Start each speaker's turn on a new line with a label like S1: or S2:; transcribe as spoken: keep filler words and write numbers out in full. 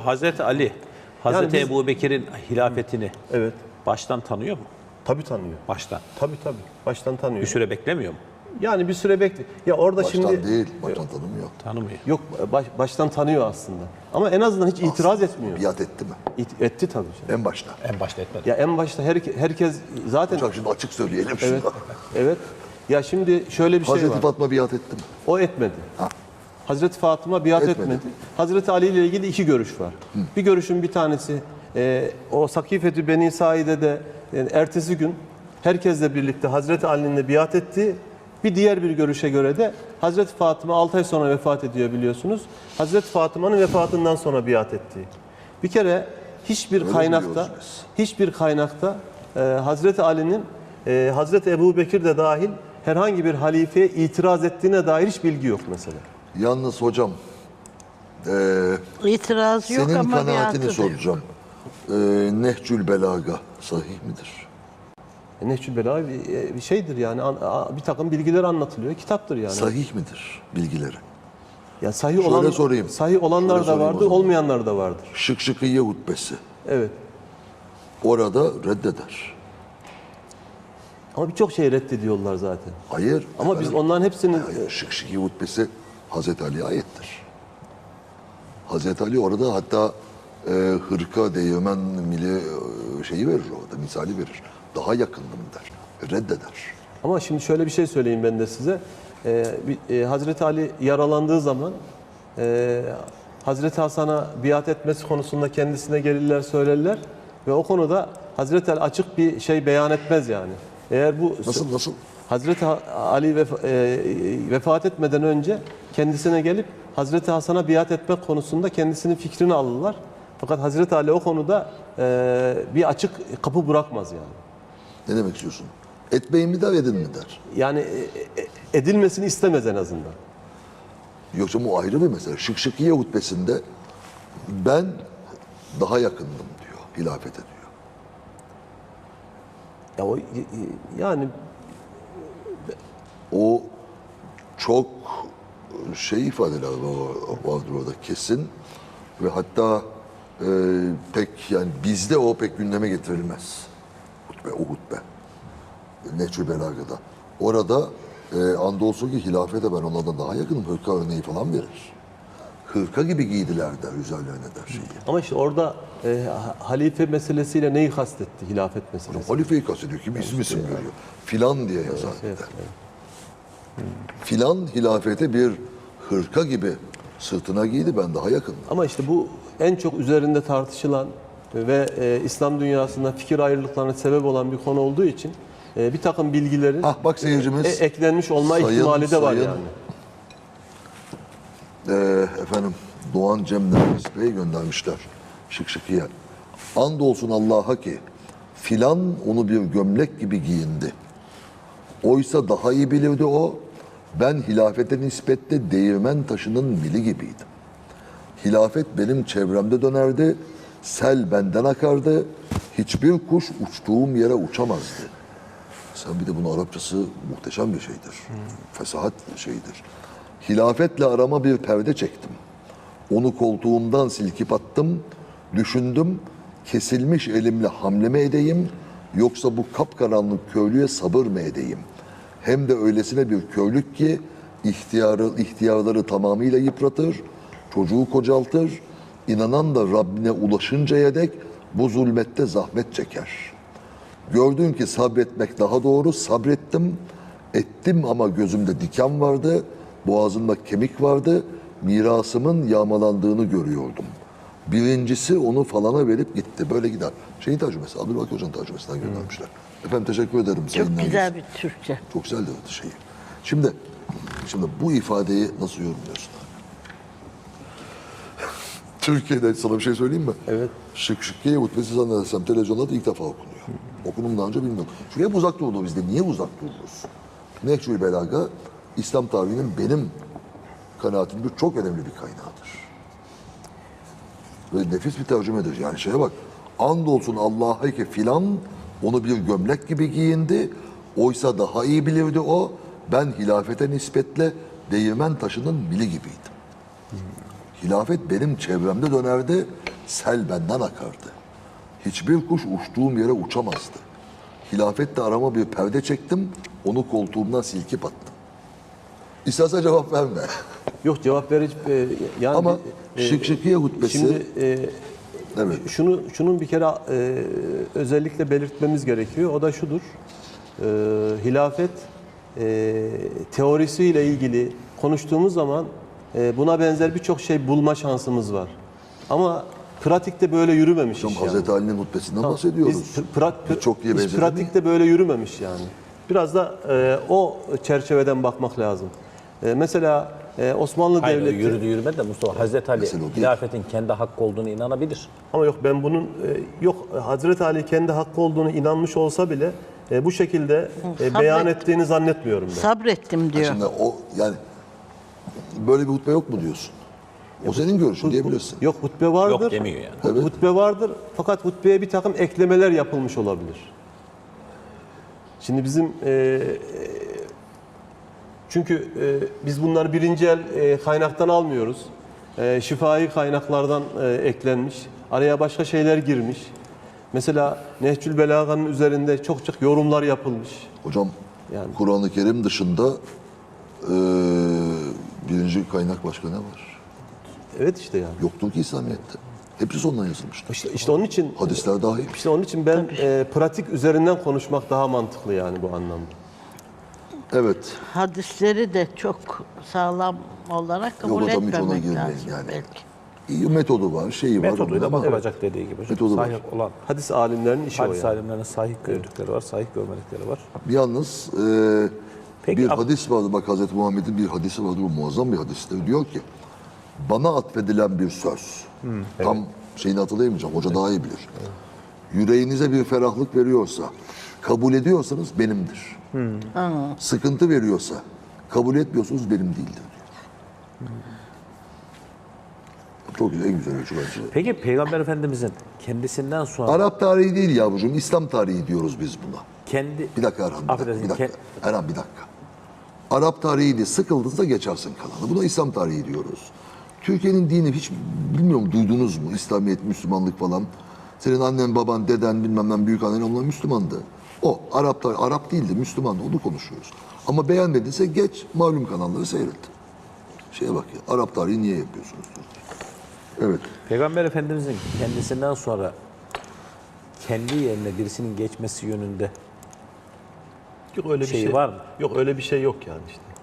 S1: Hazreti Ali, Hazreti
S2: Yani biz-
S1: Ebu Bekir'in hilafetini
S2: Evet.
S1: baştan tanıyor mu?
S2: Tabii tanıyor.
S1: Baştan.
S2: Tabii tabii. Baştan tanıyor.
S1: Bir süre beklemiyor mu?
S2: Yani bir süre bekle. Ya orada
S3: Baştan
S2: şimdi
S3: değil, baştan tanımıyor.
S1: Tanımıyor.
S2: yok baş- baştan tanıyor aslında. Ama en azından hiç itiraz etmiyor.
S3: Biat etti mi?
S2: İt- etti tabii. canım.
S3: En başta.
S1: En başta etmedi.
S2: Ya en başta her, herkes zaten
S3: Hocam şimdi açık söyleyelim şunu.
S2: evet. Evet. Ya şimdi şöyle bir şey
S3: Hazreti
S2: var.
S3: Fatma biat etti mi?
S2: O etmedi.
S3: Ha.
S2: Hazreti Fatıma biat
S3: Etmedi.
S2: etmedi. Hazreti Ali ile ilgili iki görüş var. Bir görüşün bir tanesi e, o Sakifetü Beni Saide'de yani ertesi gün herkesle birlikte Hazreti Ali'nin biat etti. Bir diğer bir görüşe göre de Hazreti Fatıma altı ay sonra vefat ediyor biliyorsunuz. Hazreti Fatıma'nın vefatından sonra biat etti. Bir kere hiçbir
S3: Öyle
S2: kaynakta
S3: biliyoruz biz.
S2: hiçbir kaynakta e, Hazreti Ali'nin e, Hazreti Ebu Bekir de dahil herhangi bir halifeye itiraz ettiğine dair hiç bilgi yok mesela.
S3: Yalnız hocam, eee
S4: İtiraz yok
S3: senin
S4: ama
S3: kanaatini
S4: biatı da yok.
S3: soracağım. Eee Nehcül Belaga sahih midir?
S2: E, Nehcül Belaga bir, e, bir şeydir yani an- a- bir takım bilgiler anlatılıyor, kitaptır yani.
S3: Sahih midir bilgileri?
S2: Ya sahih
S3: Şöyle
S2: olan
S3: sorayım.
S2: sahih olanlar
S3: Şöyle
S2: da
S3: sorayım o
S2: vardır,
S3: zaman.
S2: olmayanlar da vardır.
S3: Şık Şıkıye hutbesi.
S2: Evet.
S3: Orada reddeder.
S2: Ama birçok şey reddediyorlar zaten.
S3: Hayır.
S2: Ama biz
S3: efendim,
S2: onların hepsinin
S3: hayır, Şık Şıkıye hutbesi Hazreti Ali'ye aittir. Hazreti Ali orada hatta e, hırka, değirmen mili e, şeyi verir orada, misali verir. Daha yakındım der. Reddeder.
S2: ama şimdi şöyle bir şey söyleyeyim ben de size. Ee, bir- e, Hazreti Ali yaralandığı zaman e, Hazreti Hasan'a biat etmesi konusunda kendisine gelirler söylerler ve o konuda Hazreti Ali açık bir şey beyan etmez yani. Eğer bu
S3: Nasıl nasıl?
S2: Hazreti Ha- Ali vef- e, vefat etmeden önce kendisine gelip Hazreti Hasan'a biat etmek konusunda kendisinin fikrini alırlar. Fakat Hazreti Ali o konuda e, bir açık kapı bırakmaz yani.
S3: Ne demek istiyorsun? Etmeyin mi der, edin mi der?
S2: Yani e, e, edilmesini istemez en azından.
S3: Yoksa bu ayrı bir mesele. Şık Şıkiye hutbesinde ben daha yakındım diyor, hilafete diyor.
S2: Ya o y- y- yani
S3: O çok şey ifadeler var- vardır orada kesin ve hatta e, pek yani bizde o pek gündeme getirilmez. Hutbe, o hutbe. Nehcül Belaga'da. Orada e, andolsun ki hilafete ben onlardan daha yakınım. Hırka örneği falan verir. Hırka gibi giydiler der, üzerlerine der şeyi.
S2: ama işte orada e, ha- halife meselesiyle neyi kastetti hilafet meselesi?
S3: Halifeyi kastediyor ki isim isim görüyor. Filan diye yazar bir
S2: Evet,
S3: de.
S2: evet.
S3: Filan hilafete bir hırka gibi sırtına giydi, ben daha yakınım.
S2: Ama işte bu en çok üzerinde tartışılan ve e, İslam dünyasında fikir ayrılıklarına sebep olan bir konu olduğu için e, bir takım bilgilerin
S3: Ah bak seyircimiz.
S2: e, eklenmiş olma
S3: sayın-
S2: ihtimali de var
S3: sayın-
S2: yani.
S3: Ee, efendim Doğan Cem Nergis Bey göndermişler. Şık şıkıya. Andolsun Allah'a ki filan onu bir gömlek gibi giyindi. Oysa daha iyi bilirdi o. Ben hilafete nispetle değirmen taşının mili gibiydim. Hilafet benim çevremde dönerdi. Sel benden akardı. Hiçbir kuş uçtuğum yere uçamazdı. Sen bir de bunun Arapçası muhteşem bir şeydir. Fesahat şeyidir. Hilafetle arama bir perde çektim. Onu koltuğumdan silkip attım. Düşündüm, kesilmiş elimle hamleme edeyim, yoksa bu kapkaranlık köylüye sabır mı edeyim? Hem de öylesine bir köylük ki ihtiyarı, ihtiyarları tamamıyla yıpratır, çocuğu kocaltır, inanan da Rabbine ulaşıncaya dek bu zulmette zahmet çeker. Gördün ki sabretmek daha doğru, sabrettim, ettim ama gözümde diken vardı, boğazımda kemik vardı, mirasımın yağmalandığını görüyordum. Birincisi onu falana verip gitti. Böyle gider. Şeyin tercümesi, Abdülbaki Hoca'nın tercümesinden göndermişler. Efendim teşekkür ederim. Sayın
S4: Çok
S3: Nergis.
S4: güzel bir Türkçe.
S3: Çok güzel de şeyi. Şimdi, şimdi bu ifadeyi nasıl yorumluyorsun abi? Türkiye'de sana bir şey söyleyeyim mi?
S2: Evet.
S3: Şık Şıkkiye hutbesi zannedersem televizyonda da ilk defa okunuyor. Okunum daha önce bilmiyorum. Çünkü hep uzak durdu bizde. Niye uzak duruyoruz? Nehcül Belaga, İslam tarihinin benim kanaatimde çok önemli bir kaynağıdır. Ve nefis bir tercümedir. Yani şeye bak. Andolsun Allah'a ki filan onu bir gömlek gibi giyindi. Oysa daha iyi bilirdi o. Ben hilafete nispetle değirmen taşının mili gibiydim. Hilafet benim çevremde dönerdi. sel benden akardı. Hiçbir kuş uçtuğum yere uçamazdı. Hilafetle arama bir perde çektim, onu koltuğumdan silkip attım. İstersen cevap verme.
S2: Yok cevap verici e, yani
S3: Ama
S2: e,
S3: Şık Şıkiye hutbesi,
S2: şimdi e,
S3: evet,
S2: şunu şunun bir kere e, özellikle belirtmemiz gerekiyor. O da şudur. E, hilafet e, teorisiyle ilgili konuştuğumuz zaman e, buna benzer birçok şey bulma şansımız var. Ama pratikte böyle yürümemiş
S3: hocam
S2: iş yani.
S3: Hazreti Ali'nin hutbesinden
S2: Tamam,
S3: bahsediyoruz.
S2: Biz, pra, pra,
S3: Çok iyi
S2: biz
S3: benzedi
S2: pratikte böyle yürümemiş yani. Biraz da e, o çerçeveden bakmak lazım. E, mesela e, Osmanlı
S1: Hayır, o
S2: Devleti...
S1: yürüdü yürümedi de Mustafa Hazreti Ali
S3: Mesele o değil.
S1: hilafetin kendi hakkı olduğunu inanabilir.
S2: Ama yok ben bunun e, yok Hazreti Ali kendi hakkı olduğunu inanmış olsa bile e, bu şekilde e,
S4: Sabret.
S2: beyan ettiğini zannetmiyorum ben.
S4: Sabrettim diyor.
S3: Şimdi o yani böyle bir hutbe yok mu diyorsun? O senin görüşün diyebilirsin.
S2: Yok hutbe vardır.
S1: Yok demiyor yani.
S2: Hut-
S3: Evet.
S2: Hutbe vardır fakat hutbeye bir takım eklemeler yapılmış olabilir. Şimdi bizim e, çünkü e, biz bunları birinci el e, kaynaktan almıyoruz. E, şifai kaynaklardan e, eklenmiş. Araya başka şeyler girmiş. Mesela Nehcül Belaga'nın üzerinde çok çok yorumlar yapılmış.
S3: Hocam
S2: Yani.
S3: Kur'an-ı Kerim dışında eee, birinci kaynak başka ne var?
S2: Evet işte yani.
S3: Yoktur ki İslamiyet'te. Hepsi sondan yazılmıştır.
S2: İşte, işte onun için
S3: Hadisler dahil.
S2: işte onun için ben e, pratik üzerinden konuşmak daha mantıklı yani bu anlamda.
S3: Evet.
S4: Hadisleri de çok sağlam olarak kabul
S3: hocam, hiç ona
S4: etmemek
S3: girmeyin
S4: lazım
S3: yani.
S4: belki.
S3: İyi metodu var, şeyi var.
S1: Metoduyla
S3: ama
S1: bakılacak dediği gibi.
S3: Metodu var.
S1: Sahih olan
S2: Hadis alimlerinin işi o
S1: hadis
S2: yani.
S1: alimlerinin sahih gördükleri var, sahih görmedikleri var.
S3: Yalnız eee,
S1: Peki,
S3: bir
S1: ab-
S3: hadis vardı. Bak Hazreti Muhammed'in bir hadisi vardır. Bu muazzam bir hadistir. Diyor ki bana atfedilen bir söz. Tam şeyini hatırlayamayacağım. Hoca daha iyi bilir. Yüreğinize bir ferahlık veriyorsa, kabul ediyorsanız benimdir. Sıkıntı veriyorsa, kabul etmiyorsunuz benim değildir diyor. Çok güzel, en güzel ölçü bence.
S1: Peki Peygamber Efendimizin kendisinden sonra
S3: Arap tarihi değil yavrucuğum, İslam tarihi diyoruz biz buna.
S1: kendi
S3: Bir dakika Erhan, bir dakika.
S1: Affedersin,
S3: Bir dakika.
S1: ke-
S3: Erhan bir dakika. Arap tarihiydi, sıkıldığınızda geçersin kalanı. Buna İslam tarihi diyoruz. Türkiye'nin dini hiç bilmiyorum duydunuz mu? İslamiyet, Müslümanlık falan. Senin annen, baban, deden, bilmem ben büyük annen onlar Müslümandı. O Arap tarihi, Arap değildi, Müslümandı. Onu konuşuyoruz. Ama beğenmediyse geç malum kanalları seyret. Şeye bak ya, Arap tarihi niye yapıyorsunuz? Evet.
S1: Peygamber Efendimizin kendisinden sonra kendi yerine birisinin geçmesi yönünde
S2: Yok öyle bir
S1: Şeyi
S2: şey
S1: var mı?
S2: Yok öyle bir şey yok yani işte.